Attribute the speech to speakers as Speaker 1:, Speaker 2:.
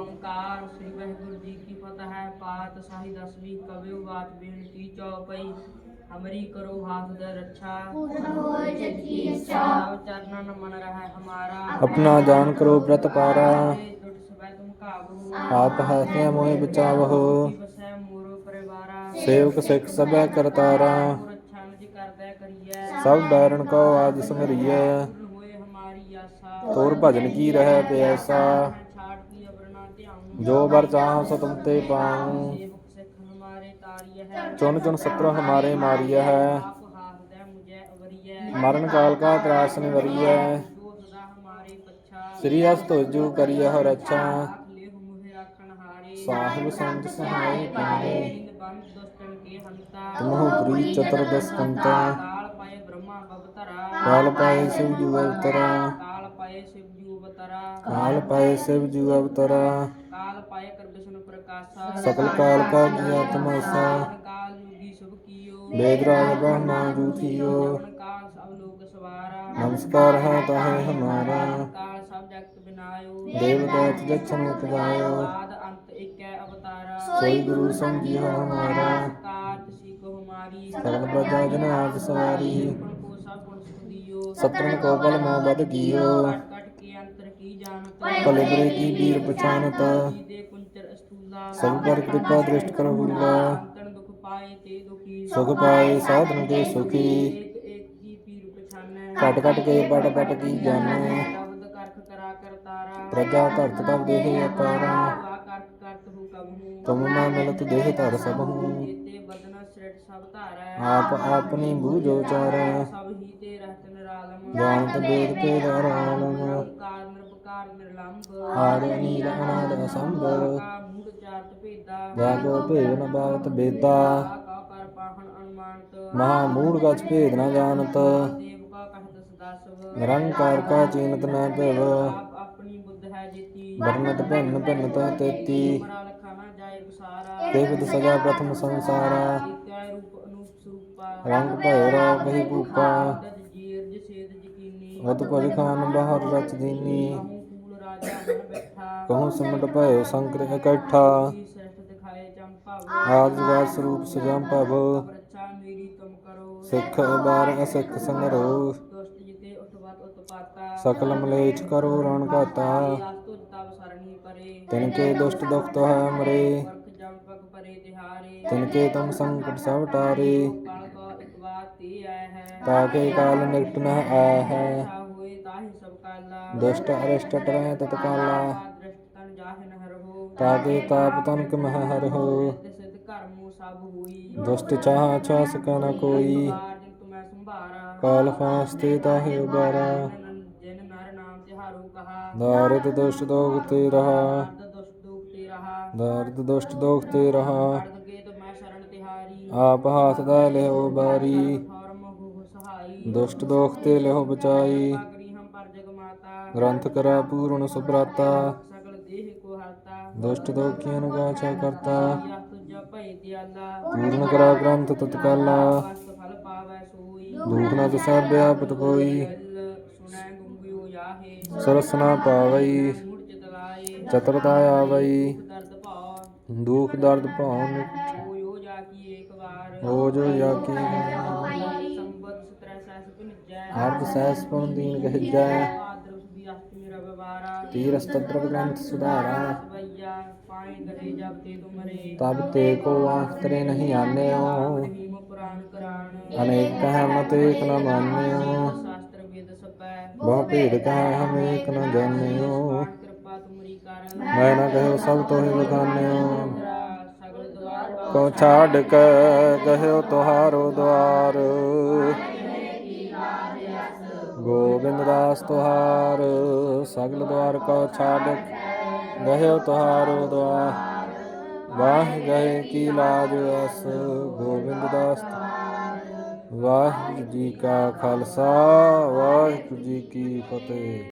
Speaker 1: ਓਮਕਾਰ ਸ੍ਰੀ ਵਾਹਿਗੁਰੂ ਜੀ ਕੀ ਫਤਿਹ ਹੈ। ਪਾਤਸ਼ਾਹੀ ਦਸਵੀਂ ਕਬਿਓ ਬਾਤ ਬੇਨਤੀ ਚੌਪਈ। ਹਮਰੀ ਕਰੋ ਹਾਥ ਦੇ ਰੱਛਾ,
Speaker 2: पूर्ण होए जग की इच्छा।
Speaker 1: ਸਭ ਚਰਨਨ ਮਨ ਰਹਿ ਹਮਾਰਾ।
Speaker 3: अपना जान करो व्रत पारा,
Speaker 1: ਟੁੱਟ ਸਵੈ ਤੁਮ ਕਾਬੂ।
Speaker 3: आप हाथे मोहि बचावहो।
Speaker 1: ਵਸੈ ਮੋਰ ਪਰਿਵਾਰਾ।
Speaker 3: सेवक सिख सबै करतारा,
Speaker 1: ਰੱਛਾ ਨਿਜ ਕਰਦੈ ਕਰੀਐ।
Speaker 3: सब बैरन को आज संगरियै।
Speaker 1: ਪੂਰਨ ਹੋਏ ਹਮਾਰੀ ਆਸਾ।
Speaker 3: तोर भजन की रह प्यासा,
Speaker 1: ਛਾੜ ਕੀ ਅਵਰ ਨਾ ਧਿਆਉ।
Speaker 3: जो बर चाहु सो तुम ते पाऊँ।
Speaker 1: ਸੇਵਕ ਸਿੱਖ ਹਮਾਰੇ ਤਾਰੀਐ ਹੈ।
Speaker 3: चुन चुन शत्रु हमारे मारिया है,
Speaker 1: ਆਪ ਹਾਥ ਦੇ ਮੁਝੈ ਅਵਰੀਐ।
Speaker 3: मरण काल का त्रास निवरियै।
Speaker 1: ਜੋ ਸਦਾ ਹਮਾਰੇ ਪੱਛਾ।
Speaker 3: श्री अस तुझु करिय हो रक्षा,
Speaker 1: ਰਾਖ ਲਿਹੁ ਮੁਹਿ ਰਾਖਣ ਹਾਰੇ।
Speaker 3: साहिब संत सहाय पारे।
Speaker 1: ਦੀਨ ਬੰਦ ਦੁਸ਼ਟਨ ਕੇ ਹੰਤਾ।
Speaker 3: तुमहु प्रीत चतुर्दश कंता,
Speaker 1: ਕਾਲ ਪਾਏ ਬ੍ਰਹਮਾ ਬਵਤਰਾ।
Speaker 3: काल पाए शिव जु अवतरा।
Speaker 1: ਕਾਲ ਪਾਏ ਸ਼ਿਵ ਜੂ ਅਵਤਰਾ।
Speaker 3: काल पाए शिव जु अवतरा,
Speaker 1: ਕਾਲ ਪਾਏ ਕਰ ਵਿਸ਼ਨੂੰ ਪ੍ਰਕਾਸ਼ਾ।
Speaker 3: सकल काल का किया तमाशा।
Speaker 1: ਕਾਲ ਯੁਗੀ ਸ਼ੁਭ ਕੀਓ।
Speaker 3: वेद राज ब्रह्मा जू थियो,
Speaker 1: ਜਮਨ ਕਾਲ ਸਭ ਲੋਕ ਸਵਾਰਾ।
Speaker 3: नमस्कार है ताहे हमारा।
Speaker 1: ਕਾਲ ਸਭ ਜਗਤ ਬਿਨਾਇਓ।
Speaker 3: देव दैत जक्षन गायो,
Speaker 1: ਆਦ ਅੰਤ ਏਕੈ ਅਵਤਾਰਾ।
Speaker 3: सोई गुरु समझियो हमारा।
Speaker 1: ਕਾਰ ਤੁਸੀਂ ਕੋ ਹਮਾਰੀ।
Speaker 3: सकल प्रजा जन आज सवारी,
Speaker 1: ਗੁਣ ਕੋ ਸਭ ਗੁਣ ਸੁਖ ਦਿਓ।
Speaker 3: सत्रन को बल मोह बद कियो।
Speaker 1: ਕਟ ਕਟ ਕੇ ਅੰਤਰ ਕੀ ਜਾਣਤ।
Speaker 3: भले बुरे की वीर पहचानत,
Speaker 1: ਜੀ ਦੇ ਕੁੰਚਰ ਅਸਤੂਲਾ।
Speaker 3: सब पर कृपा दृष्ट कर हुला।
Speaker 1: ਅੰਤਨ ਦੁਖ ਪਾਏ ਤੇ ਦੁਖੀ।
Speaker 3: सुख पाए साधन के सुखी,
Speaker 1: ਏਕ ਏਕ ਕੀ ਪੀਰ ਪਛਾਨੈ।
Speaker 3: कट कट के पट पट की जाने।
Speaker 1: ਸ਼ਬਦ ਕਰਖ ਕਰਾ ਕਰਤਾਰਾ।
Speaker 3: प्रजा धरत तब देह अपारा,
Speaker 1: ਵਾ ਕਰਖ ਕਰਤ ਹੂ ਕਬਹੂ।
Speaker 3: तुम मैं मिलत देह धर सबहु।
Speaker 1: ਜੇਤੇ ਬਦਨ ਸ੍ਰਿਟ ਸਭ ਧਾਰੈ।
Speaker 3: आप अपनी बूझो चारै,
Speaker 1: ਸਭ ਹੀ ਤੇ ਰਹਿਤ ਨਿਰਾਲਮ।
Speaker 3: जानत वेद भेद अरालम।
Speaker 1: ਨਿਰੰਕਾਰ ਨਿਰਭਕਾਰ ਨਿਰਲੰਭ।
Speaker 3: आदि नील अनाद असंभव,
Speaker 1: ਕਾ ਮੂੜ ਚਾਰਤ ਭੇਦਾ।
Speaker 3: जागो भेद न बावत बेदा।
Speaker 1: ਕਾ ਕਰ ਪਾਹਣ ਅਨੁਮਾਨਤ।
Speaker 3: महामूढ़ कछ भेद न जानत,
Speaker 1: ਦੇਵ ਕਾ ਕਹਿਤ ਸਦਾ ਸਭ।
Speaker 3: निरंकार का चीनत न भव।
Speaker 1: ਆਪ ਆਪਣੀ ਬੁੱਧ ਹੈ ਜੀਤੀ।
Speaker 3: वर्णत भिन्न भिन्नता तेती,
Speaker 1: ਮਰਾ ਲਖਾ ਨਾ ਜਾਏ ਵਿਸਾਰਾ।
Speaker 3: केवद सजा प्रथम संसारा।
Speaker 1: ਏਕੈ ਰੂਪ ਅਨੂਪ ਸਰੂਪਾ।
Speaker 3: रंग भयो राव कही भूपा,
Speaker 1: ਦਦ ਜੀਰ ਜਸੇਦ ਜਕੀਨੀ।
Speaker 3: अत भज खान बाहर रच दीनी।
Speaker 1: ਕਹੂੰ ਫੂਲ ਰਾਜਾ ਮਨ ਬੈਠਾ।
Speaker 3: कहूँ सिमट भयो शंकर इकट्ठा,
Speaker 1: ਜੀ ਸ੍ਰਿਸ਼ਟ ਦਿਖਾਏ ਚੰਪਾਵ।
Speaker 3: आद जुगाद स्वरूप सजम भव।
Speaker 1: ਰੱਛਾ ਮੇਰੀ ਤੁਮ ਕਰੋ।
Speaker 3: सिख अबार असिख संगरो,
Speaker 1: ਦੁਸ਼ਟ ਜਿਤੇ ਉਤਵਤ ਉਤਪਾਤਾ।
Speaker 3: सकल मलेच्छ करो रण घाता।
Speaker 1: ਆਸ ਤੁਜ ਤਬ ਸਰਣੀ ਪਰੇ।
Speaker 3: तिनके दुष्ट दुख तो है मरे,
Speaker 1: ਵਰਖ ਜਮ ਪਗ ਪਰੇ ਤਿਹਾਰੇ।
Speaker 3: तिनके तुम संकट सब टारे।
Speaker 1: ਕਾਲ ਕਾ ਇਕ ਬਾਤ ਤੇ ਆਇ ਹੈ।
Speaker 3: ताके काल निकट न आय है,
Speaker 1: ਤਾ ਹੋਏ ਤਾਹੀ ਸਭ ਕਾਲਾ।
Speaker 3: दुष्ट अरिष्ट टरै तत्काला।
Speaker 1: ਦ੍ਰਿਸ਼ਟ ਤਨ ਜਾਹਿ ਨ ਹਰਹੁ।
Speaker 3: ताके ताप तनक मह हरहु,
Speaker 1: ਸਿਧ ਕਰਮੂ ਸਭ ਹੋਈ।
Speaker 3: दुष्ट चाह छा सकै न कोई।
Speaker 1: ਬਾਰ ਜਿਨ ਤੁਮੈ ਸੰਭਾਰਾ।
Speaker 3: काल फांसते ताहे उबारा,
Speaker 1: ਜਿਨ ਨਰ ਨਾਮ ਤਿਹਾਰੂ ਕਹਾ।
Speaker 3: दारिद दुष्ट दोख ते रहा।
Speaker 1: ਦਰਦ ਦੁਸ਼ਟ ਦੁਖ ਤੇ ਰਹਾ।
Speaker 3: दारिद दुष्ट दोख ते रहा,
Speaker 1: ਅਰਧ ਕੇ ਤੁਮੈ ਸ਼ਰਨ ਤਿਹਾਰੀ।
Speaker 3: आप हाथ दै लिहो बारी।
Speaker 1: ਫੌਰਮ ਹੋ ਸਹਾਈ।
Speaker 3: दुष्ट दोख ते लिहो बचाई,
Speaker 1: ਪਾਗਰੀ ਹਮ ਪਰ ਜਗ ਮਾਤਾ।
Speaker 3: ग्रंथ करा पूर्ण सुभ्राता।
Speaker 1: ਸਗਲ ਦੇਹ ਕੋ ਹਰਤਾ।
Speaker 3: दुष्ट दोखियन गाछा करता,
Speaker 1: ਯਾ ਤੁਜ ਭੈ ਦਿਆਲਾ।
Speaker 3: पूर्ण करा ग्रंथ तत्काला।
Speaker 1: ਵਸਤ ਫਲ ਪਾਵੈ ਸੋਈ।
Speaker 3: दुख न तिसै व्यापत कोई,
Speaker 1: ਦਿਲ ਸੁਣੈ ਗੁੰਗਿਓ ਜਾਹੇ।
Speaker 3: सरस न पावई।
Speaker 1: ਮੂੜ ਚਿਤ ਲਾਏ।
Speaker 3: चतुरता आवई,
Speaker 1: ਦਰਦ ਭਾਉ।
Speaker 3: दुख दर्द भाव मिट।
Speaker 1: ਹੋਇਓ ਜਾ ਕੀ ਏਕ ਵਾਰ।
Speaker 3: हो जो या की
Speaker 1: ਸੰਬਤ ਸਤਰੈ ਸਹਿਸ ਭਿੰਜੈ।
Speaker 3: अर्ध सहस पुन दीन कहजै।
Speaker 1: ਭਾਦਰ ਸੁਦੀ ਅਸ਼ਟਮੀ ਰਵ ਬਾਰਾ।
Speaker 3: तीर स्तत्र ग्रंथ सुधारा,
Speaker 1: ਸਵਈਆ ਪਾਏ ਗਏ ਜਬ ਤੇ ਤੁਮਰੇ।
Speaker 3: तब ते को आँख तरे नहीं आन्यो।
Speaker 1: ਮਹੀਮ ਪੁਰਾਨ ਕਰਾਨ।
Speaker 3: अनेक कह मत एक न मान्यो,
Speaker 1: ਸ਼ਾਸਤਰ ਵੇਦ ਸਪੈ।
Speaker 3: बहु भेद कह हम एक न जान्यो।
Speaker 1: ਪਾਨ ਕਿਰਪਾ ਤੁਮਰੀ ਕਰ।
Speaker 3: मैं न कहो सब तोहि बखान्यो,
Speaker 1: ਸਗਲ ਦਵਾਰ
Speaker 3: को छाड़ के गयो तुहारो द्वार। गोविंद दास तुहार, सगल द्वार को छाड़ गयो तुहारो द्वार। वाह गए की लाज अस गोविंद दास। वाहिगुरू जी का खालसा, वाहिगुरू जी की फतेह।